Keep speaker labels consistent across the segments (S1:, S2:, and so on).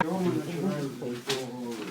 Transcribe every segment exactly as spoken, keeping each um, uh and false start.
S1: Чого ми починаємо з міського голови?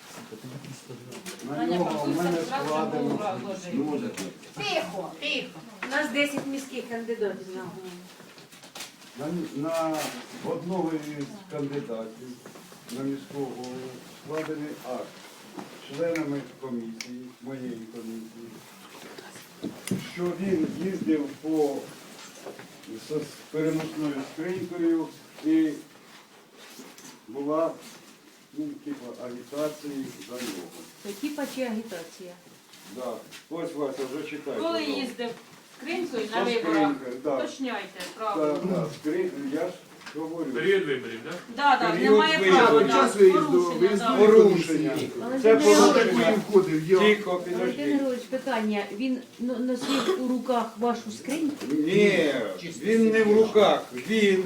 S1: На нього в мене складено.
S2: Тихо, тихо.
S3: У нас десять міських кандидатів на голову.
S1: На, на одного із кандидатів на міського голову складений акт членами комісії, моєї комісії, що він їздив по з переносною скринькою і була ну, типу, агітації за нього.
S3: Це типа чи агітація?
S1: Да. Ось Вася, вже читайте.
S2: Коли їздив скринькою на
S1: Со
S2: виборах,
S1: скринькою, да.
S2: уточняйте,
S1: Так,
S2: правильно.
S1: да, скрин... я ж говорю.
S4: Період виборів, так?
S2: Да, да,
S1: Період
S2: немає
S1: виїзду.
S2: права,
S5: Час
S2: да,
S5: виїзду,
S2: порушення,
S5: виїзду.
S2: да.
S1: Порушення. Це
S3: Валентин
S5: Що
S3: Григорович,
S1: порушення.
S5: такої входив? Я
S1: Тихо,
S3: Валентин
S1: підожди.
S3: Григорович, питання. Він но- носив у руках вашу скриньку?
S1: Ні, він не в руках, він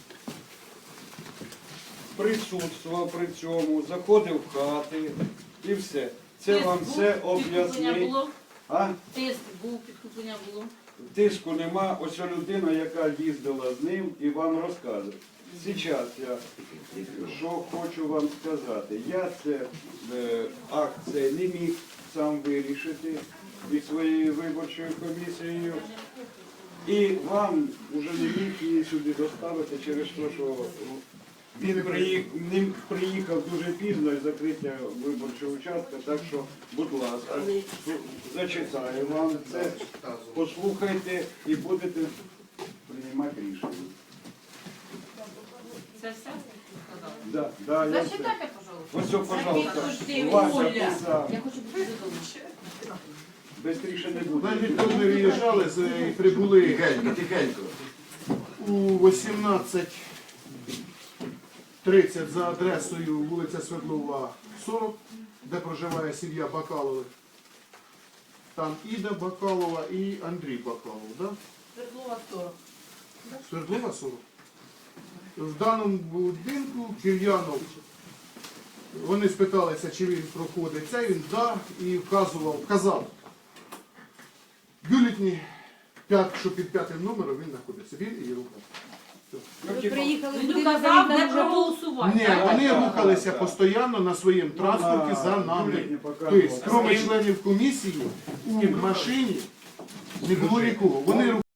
S1: присутствував при цьому, заходив в хати і все. Це
S2: Тиск
S1: вам
S2: був,
S1: все
S2: підкуплення
S1: об'яснить.
S2: було,
S1: А?
S2: тиск був, підкуплення було.
S1: Тиску нема, ось ця людина, яка їздила з ним і вам розказує. Зараз я що хочу вам сказати. Я це е, акт цей не міг сам вирішити із своєю виборчою комісією. І вам вже не міг її сюди доставити через те, що він приїхав, він приїхав дуже пізно і закриття виборчого участка, так що, будь ласка, зачитаю вам це, послухайте і будете приймати рішення.
S2: Це все?
S1: Да, да, я все.
S2: Зачитайте, пожалуйста.
S1: Ось, пожалуйста,
S2: Підожди,
S1: Вася
S2: Оля.
S1: писав.
S2: Я хочу бути додому.
S1: Бистріше не буде.
S5: Значить, коли ми виїжджали, з- прибули
S6: Тихенько, тихенько.
S5: у вісімнадцять тридцять за адресою вулиця Свердлова, сорок, де проживає сім'я Бакалових. Там Іда Бакалова і Андрій Бакалов, да?
S2: Свердлова сорок.
S5: Свердлова сорок. В даному будинку Кир'янов, вони спиталися, чи він проходить це, він да, і вказував, вказав. Бюлетні, п'ят- що під п'ятим номером він знаходиться, він і його брат.
S3: Ви приїхали в
S2: Він
S3: будинок, а
S2: указав,
S3: він
S2: де
S3: там вже був.
S2: проголосувати.
S5: Ні, вони рухалися постійно на своєму транспорті за нами. Тобто, крім членів комісії, у машині не було нікого. Вони